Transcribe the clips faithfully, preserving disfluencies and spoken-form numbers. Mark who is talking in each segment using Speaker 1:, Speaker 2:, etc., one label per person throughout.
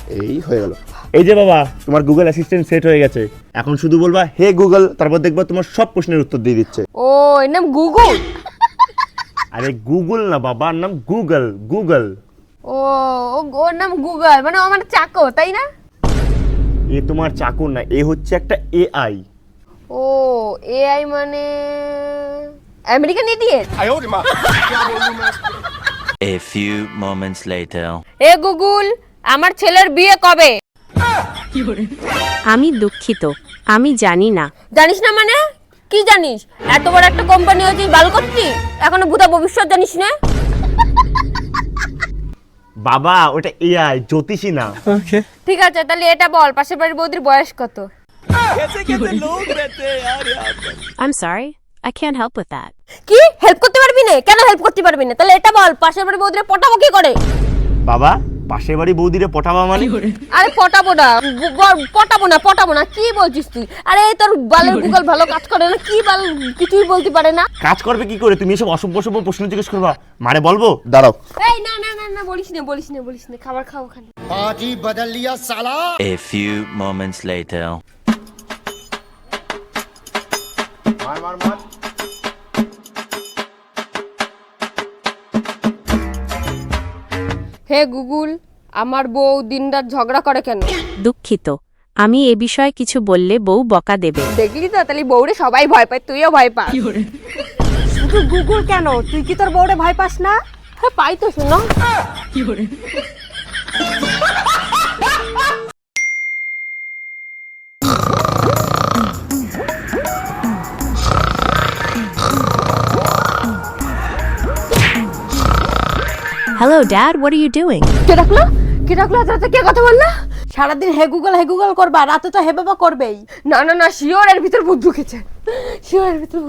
Speaker 1: এই হয়ে গেল। এই যে বাবা তোমার গুগল অ্যাসিস্ট্যান্ট সেট হয়ে গেছে, এখন শুধু বলবা হে গুগল, তারপর দেখবা তোমার সব প্রশ্নের উত্তর দিয়ে দিচ্ছে।
Speaker 2: ও এর নাম গুগল?
Speaker 1: আরে গুগল না বাবা, নাম গুগল। গুগল
Speaker 2: ও ওর নাম গুগল, মানে ও আমার চাকর তাই না?
Speaker 1: এ তোমার চাকর না, এ হচ্ছে একটা এআই।
Speaker 2: ও এআই মানে American idiot.
Speaker 3: A few moments later.
Speaker 2: এ গুগল, আমার ছেলের বিয়ে কবে?
Speaker 4: আমি দুঃখিত, আমি জানি না।
Speaker 2: জানিস না মানে কি জানিস? এত বড় একটা কোম্পানি হয়েছে বাল করছিস, এখনো ভূতা ভবিষ্যৎ জানিস না?
Speaker 1: বাবা ওটা এআই, জ্যোতিষী না।
Speaker 2: ঠিক আছে তাহলে এটা বল, পাশের বাড়ির বৌদির বয়স কত?
Speaker 4: I'm sorry, I can't help with that.
Speaker 2: কি হেল্প করতে পারবি না? কেন হেল্প করতে পারবি না? তাহলে এটা বল, পাশের বাড়ির বৌদির পটাবো কি করে?
Speaker 1: বাবা পাশের বাড়ি বৌদিরে পটাবা মানে?
Speaker 2: আরে পটাবো না, ব- পটাবো না পটাবো না কি বলছিস তুই? আরে তোর বালের গুগল ভালো কাজ করে না, কি বাল কিছুই বলতে পারে না।
Speaker 1: কাজ করবে কি করে? তুমি এসব অসভ্য সভ্য প্রশ্ন জিজ্ঞেস করবা, মারে বলবো। দাঁড়াও।
Speaker 2: এই না না না না বলিস না বলিস না বলিস না, খাবার খাও ওখানে।
Speaker 3: A few moments later.
Speaker 1: মার মার মার।
Speaker 2: হে গুগল, আমার বউ দিনরাত ঝগড়া করে কেন?
Speaker 4: দুঃখিত, আমি এ বিষয়ে কিছু বললে বউ বকা দেবে।
Speaker 2: দেখলি তো, তাহলে বউরে সবাই ভয় পায়, তুইও ভয় পাস।
Speaker 5: শুধু গুগল কেন, তুই কি তোর বউরে ভয় পাস না?
Speaker 2: হ্যাঁ পাই তো, শোনো।
Speaker 4: Hello dad, what are you doing?
Speaker 2: কে ডাকলো? কে ডাকলো? আজ রাতে কে কথা বললো?
Speaker 5: সারাদিন হে গুগল হে গুগল করবা, রাতে তো হে বাবা করবেই।
Speaker 2: না না না, শিওর এর ভিতর ভূত ঢুকেছে। শিওর এর ভিতর ভূত।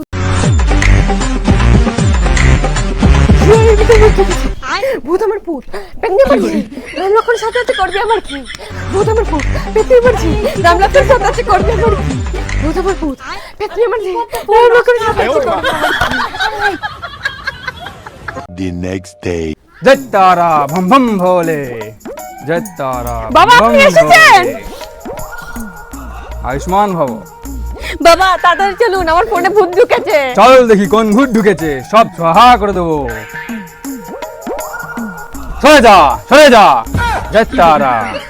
Speaker 2: শিওর এর ভিতর ভূত ঢুকেছে। ভূত আমার ভূত, পেঙ্গে মারছি। রাম লক্ষণ সাথে সাথে করবি আমার কি? ভূত আমার ভূত, পেতনি মারছি। রাম লক্ষণ সাথে সাথে করবি আমার কি? ভূত আমার ভূত, পেতনি মারছি। রাম লক্ষণ সাথে সাথে করবি আমার কি?
Speaker 3: The next day.
Speaker 6: জয় তারা ভম ভম ভোলে, জয় তারা
Speaker 2: বাবা,
Speaker 6: ভম
Speaker 2: আপনি
Speaker 6: ভম
Speaker 2: এসেছেন?
Speaker 6: ভোলে। আয়ুষ্মান ভব।
Speaker 2: বাবা তাড়াতাড়ি চলুন, আমার ফোনে ভূত ঢুকেছে।
Speaker 6: চল দেখি কোন ভূত ঢুকেছে, সব সহা করে দেবো। সরে যা সরে যা, জয় তারা।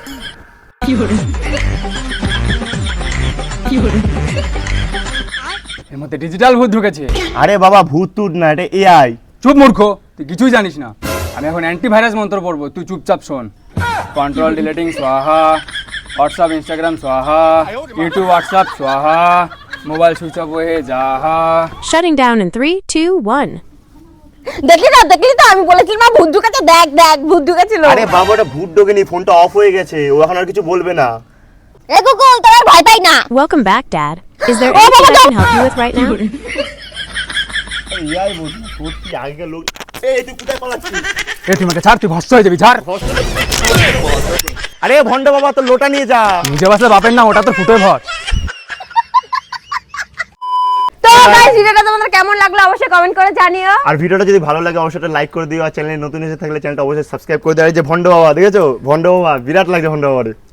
Speaker 6: এর মধ্যে ডিজিটাল ভূত ঢুকেছে।
Speaker 1: আরে বাবা ভূত টুট না, এটা এআই।
Speaker 6: চুপ মূর্খ, তুই কিছুই জানিস না। আমি এখন অ্যান্টিভাইরাস মন্ত্র পড়বো, তুই চুপচাপ শোন। কন্ট্রোল ডিলেটিং স্বাহা, হোয়াটসঅ্যাপ ইনস্টাগ্রাম স্বাহা, ইউটিউব হোয়াটসঅ্যাপ স্বাহা, মোবাইল সুইচ অফ হয়ে যাহা।
Speaker 4: Shutting down in three, two, one.
Speaker 2: দেখলি না দেখলি তো, আমি বলেছিলাম না ভূত ঢুকেছে, দেখ দেখ ভূত ঢুকেছিল।
Speaker 1: আরে বাবা ওটা ভূত ঢোকেনি, ফোনটা অফ হয়ে গেছে, ও এখন আর কিছু বলবে না।
Speaker 2: এ গুগল, তোর আর ভয় পাই না।
Speaker 4: Welcome back, Dad. Is there
Speaker 2: Oh,
Speaker 4: anything
Speaker 2: Mama,
Speaker 4: I can
Speaker 2: no.
Speaker 4: help you with right now?
Speaker 1: AI বলছি সত্যি, আগেকার লোক। এই তুই কোথায় পালাচ্ছিস?
Speaker 6: এ তুই আমাকে ছাড়, তুই ভস্ত হয়ে যাবি, ছাড়।
Speaker 1: আরে ভন্ড বাবা তোর লোটা নিয়ে যা।
Speaker 6: নিজে বাসলে বাপের না, ওটা তো ফুটে ভর।
Speaker 2: তো গাইস, ভিডিওটা তোমাদের কেমন লাগলো অবশ্যই কমেন্ট করে জানিও।
Speaker 1: আর ভিডিওটা যদি ভালো লাগে অবশ্যই লাইক করে দিও, আর চ্যানেলে নতুন এসে থাকলে চ্যানেলটা অবশ্যই সাবস্ক্রাইব করে দেওয়া। যে ভন্ড বাবা দেখেছো, ভন্ড বাবা বিরাট লাগছে ভন্ড বাবারে।